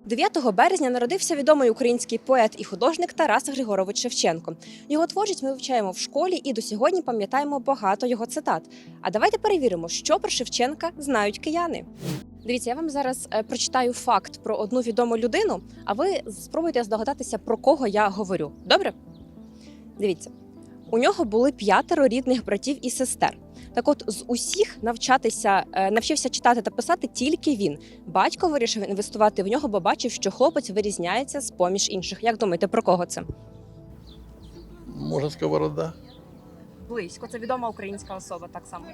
9 березня народився відомий український поет і художник Тарас Григорович Шевченко. Його творчість ми вивчаємо в школі і до сьогодні пам'ятаємо багато його цитат. А давайте перевіримо, що про Шевченка знають кияни. Дивіться, я вам зараз прочитаю факт про одну відому людину, а ви спробуйте здогадатися, про кого я говорю. Добре? Дивіться. У нього були 5 рідних братів і сестер. Так от, з усіх навчився читати та писати тільки він. Батько вирішив інвестувати в нього, бо бачив, що хлопець вирізняється з-поміж інших. Як думаєте, про кого це? Може, Сковорода? Близько. Це відома українська особа, так само.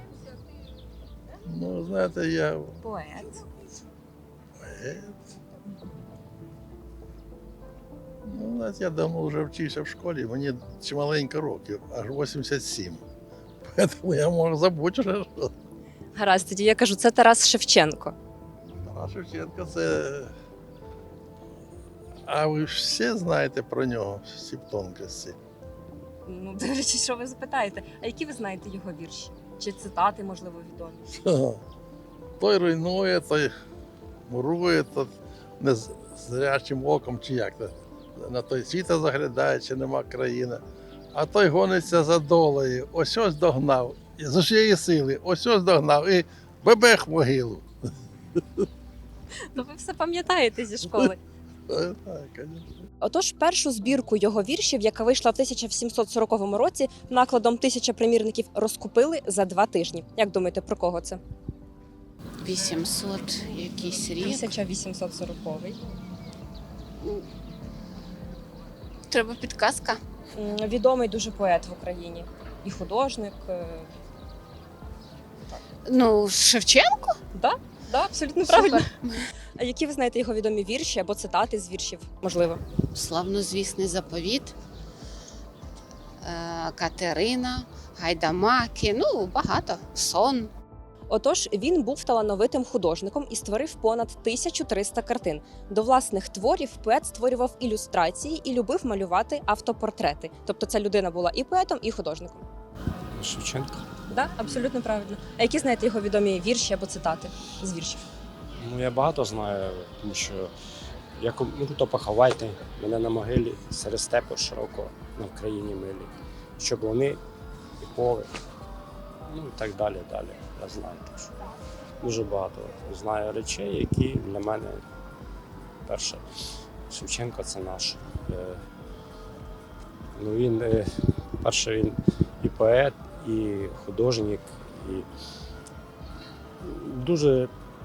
Ну, знаєте, я Поет. поет. Ну, знаєте, я давно вже вчився в школі, мені чималенько років, аж 87. Тому я можу забути вже, що Гаразд, тоді я кажу, це Тарас Шевченко. Тарас Шевченко це. А ви ж всі знаєте про нього, всі тонкості. Ну, дивлячись, що ви запитаєте. А які ви знаєте його вірші? Чи цитати, можливо, відомі? Той руйнує, той мурує, той незрячим оком, чи як то. На той світа заглядає, чи нема країни. А той гониться за долею, ось догнав, з усієї сили, ось догнав і бебех в могилу. Ну, ви все пам'ятаєте зі школи. Так, звісно. Отож, першу збірку його віршів, яка вийшла в 1740 році, накладом 1000 примірників, розкупили за 2 тижні. Як думаєте, про кого це? 800 якийсь рік. 1840. Треба підказка. Відомий дуже поет в Україні. І художник. Ну, Шевченко? Да, абсолютно правильно. А які ви знаєте його відомі вірші або цитати з віршів? Можливо. Славнозвісний заповіт, Катерина, Гайдамаки, ну, багато. Сон. Отож, він був талановитим художником і створив понад 1300 картин. До власних творів поет створював ілюстрації і любив малювати автопортрети. Тобто ця людина була і поетом, і художником. Шевченко. Так, абсолютно правильно. А які знаєте його відомі вірші або цитати з віршів? Ну, я багато знаю, тому що як то поховайте мене на могилі серед степу широко на Вкраїні милі, щоб вони і поле, ну і так далі. Я знаю, так що дуже багато знаю речей, які для мене перше. Шевченко це наш. Ну він перше, він і поет, і художник, і дуже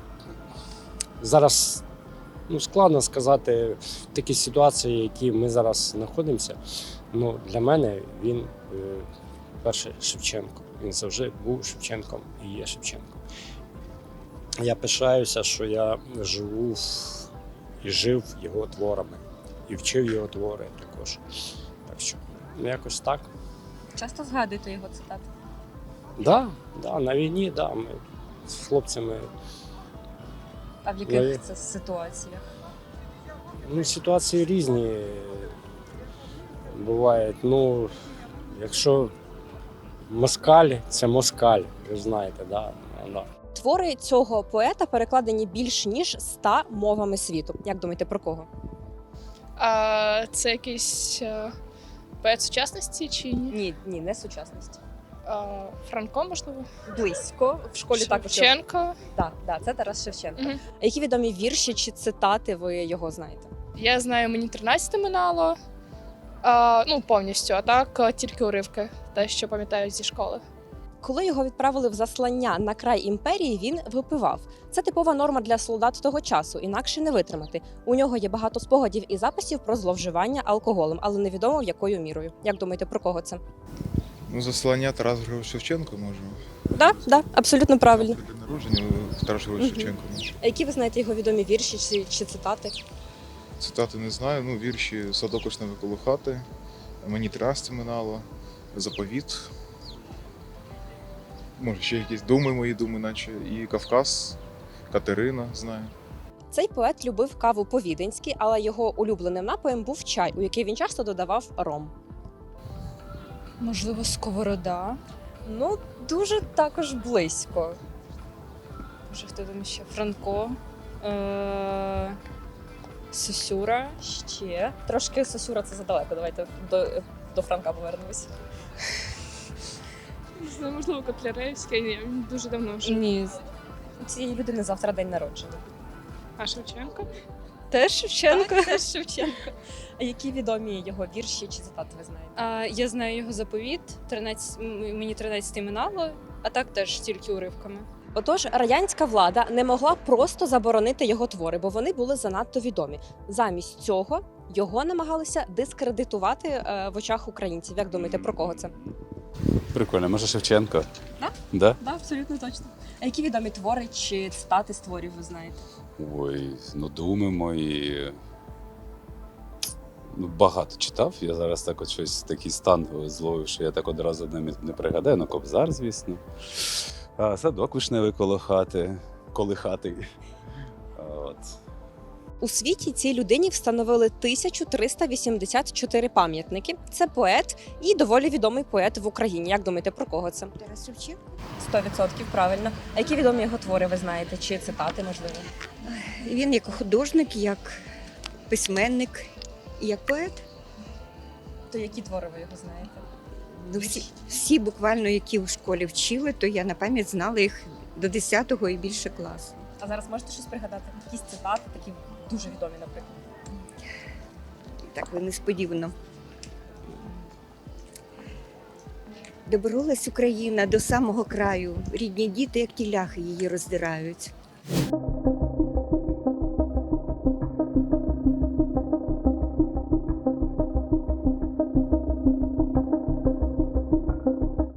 зараз складно сказати в такій ситуації, в якій ми зараз знаходимося. Ну, для мене він перший Шевченко. Він завжди був Шевченком і є Шевченком. Я пишаюся, що я живу і жив його творами, і вчив його твори також. Так що, якось так. Часто згадуєте його цитати? Да, на війні, ми з хлопцями. А в яких це ситуаціях? Ситуації різні бувають. Якщо москаль, це москаль, ви знаєте, да. Твори цього поета перекладені більш ніж 100 мовами світу. Як думаєте, про кого? Це якийсь поет сучасності чи ні? Ні, не сучасності. Франко, можливо? Близько. В школі також. Шевченко. Так, це Тарас Шевченко. Мгм. А які відомі вірші чи цитати ви його знаєте? Я знаю, мені 13 минало. Повністю, а так тільки уривки, те, що пам'ятаю зі школи. Коли його відправили в заслання на край імперії, він випивав. Це типова норма для солдат того часу, інакше не витримати. У нього є багато спогадів і записів про зловживання алкоголем, але невідомо якою мірою. Як думаєте, про кого це? Заслання Тарас Григорович Шевченко, може. Так, абсолютно правильно. При народженні Тарас Григорович Шевченко, може. А які ви знаєте його відомі вірші чи цитати? Цитати не знаю, вірші «Садок вишневий коло хати», «Мені 13 минало», «Заповіт». Може, ще якісь «Думи мої, думи наче», і «Кавказ», «Катерина», знаю. Цей поет любив каву по-віденськи, але його улюбленим напоєм був чай, у який він часто додавав ром. Можливо, Сковорода. Дуже також близько. Може, хто там ще? Франко. Сосюра. Ще трошки Сосюра це задалеко. Давайте до Франка повернемось. Не знаю, можливо, Котляревський, ні, він дуже давно вже. Ні. У цієї людини завтра день народження. А Шевченко? Теж Шевченко. Теж Шевченко. А які відомі його вірші чи цитати ви знаєте? Я знаю його заповіт. Мені 13 минало, а так теж тільки уривками. Отож, радянська влада не могла просто заборонити його твори, бо вони були занадто відомі. Замість цього його намагалися дискредитувати в очах українців. Як думаєте, про кого це? Прикольно, може Шевченко? Да? Да? Так, абсолютно точно. А які відомі твори чи цитати з творів ви знаєте? Ой, ну думаємо і. Ну, багато читав. Я зараз так от щось такий стан зловив, що я так одразу не пригадаю. Ну, Кобзар, звісно. Садок вишневий коло хати. От. У світі цій людині встановили 1384 пам'ятники. Це поет і доволі відомий поет в Україні. Як думаєте, про кого це? Тарас Шевченко. 100% правильно. А які відомі його твори ви знаєте? Чи цитати, можливо? Він як художник, як письменник і як поет. То які твори ви його знаєте? Ну, всі буквально, які в школі вчили, то я на пам'ять знала їх до 10-го і більше класу. А зараз можете щось пригадати? Якісь цитати, такі дуже відомі, наприклад. Так ви несподівано. Доборолась Україна до самого краю. Рідні діти, як ті ляхи, її роздирають.